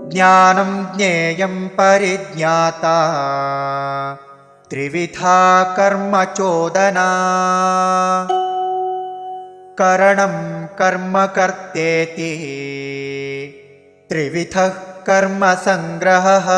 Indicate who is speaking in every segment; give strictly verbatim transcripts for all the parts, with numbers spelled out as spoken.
Speaker 1: ज्ञानं ज्ञेयं परिज्ञाता त्रिविधा कर्म चोदना करणं कर्म कर्तेति त्रिविधः कर्म संग्रहः।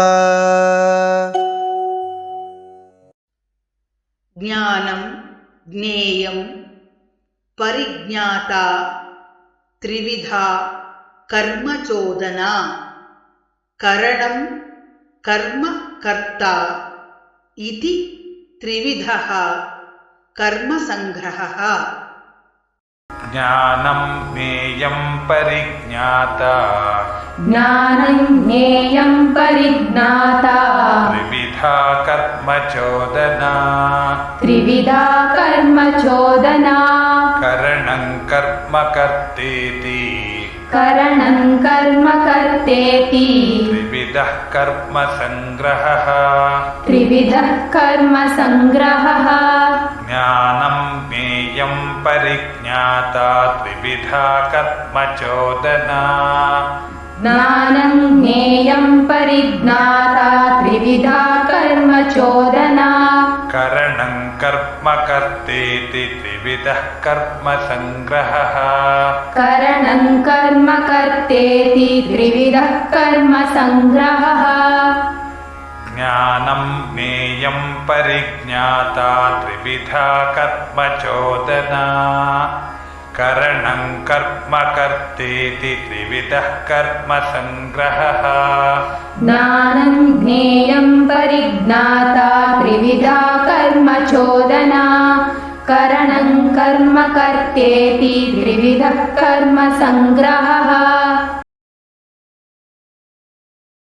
Speaker 2: ज्ञानं ज्ञेयं परिज्ञाता त्रिविधा कर्म चोदना करणं कर्म कर्ता इति त्रिविधः कर्म संग्रहः।
Speaker 3: ज्ञानं ज्ञेयं परिज्ञाता
Speaker 4: ज्ञानं ज्ञेयं परिज्ञाता
Speaker 3: त्रिविधा कर्म चोदना
Speaker 4: त्रिविधा कर्म चोदना
Speaker 3: करणं कर्म कर्तेति
Speaker 4: करणं कर्म कर्तेति
Speaker 3: त्रिविधः कर्म संग्रहः।
Speaker 4: त्रिविधः कर्म संग्रहः।
Speaker 3: ज्ञानं ज्ञेयं परिज्ञाता त्रिविधा कर्म चोदना
Speaker 4: ज्ञानं ज्ञेयं परिज्ञाता त्रिविधा कर्म चोदना
Speaker 3: करणं कर्म कर्तेति त्रिविधः कर्म संग्रहः।
Speaker 4: करणं कर्म कर्तेति त्रिविधः कर्म संग्रहः।
Speaker 3: ज्ञानं ज्ञेयं परिज्ञाता त्रिविधा कर्म चोदना करणं कर्म कर्तेति त्रिविधः कर्म संग्रहः।
Speaker 4: ज्ञानं ज्ञेयं परिज्ञाता त्रिविधा कर्म चोदना करणं कर्म कर्तेति त्रिविधः कर्म संग्रहः।